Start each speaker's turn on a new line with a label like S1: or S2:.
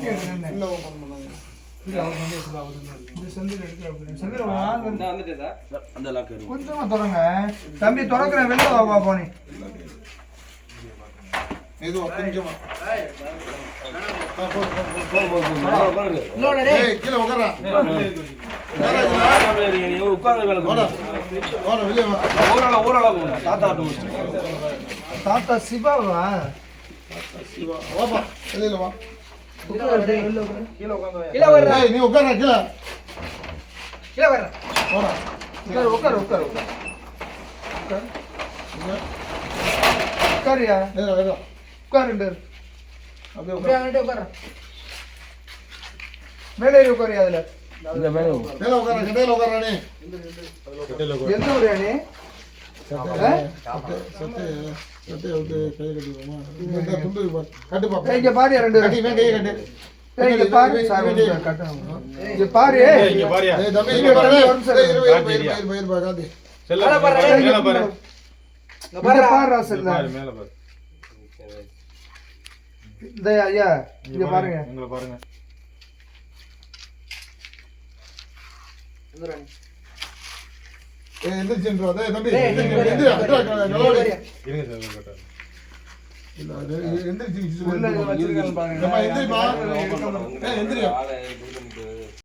S1: கொஞ்சமா தொடங்க தம்பி, தொடக்குறேன். வெளில வா போனி.
S2: இது கொஞ்சமா கீழே உட்காரா
S1: தாத்தா சிவாவா?
S2: வெளியில வா.
S1: நீ உட்கார கீழே கீழே வர்ற. உட்காரு உட்காரு உட்காரியா? உட்காரு. அப்படியே உட்கார. மேலே உட்காரியா? அதுல
S2: கட்டையில உட்காரானே.
S1: எந்த ஊரு நீ? இங்க பாரு, ரெண்டு இங்க பாரு. இங்க பாரு. ஐயா இங்க பாருங்க. எந்திரிச்சு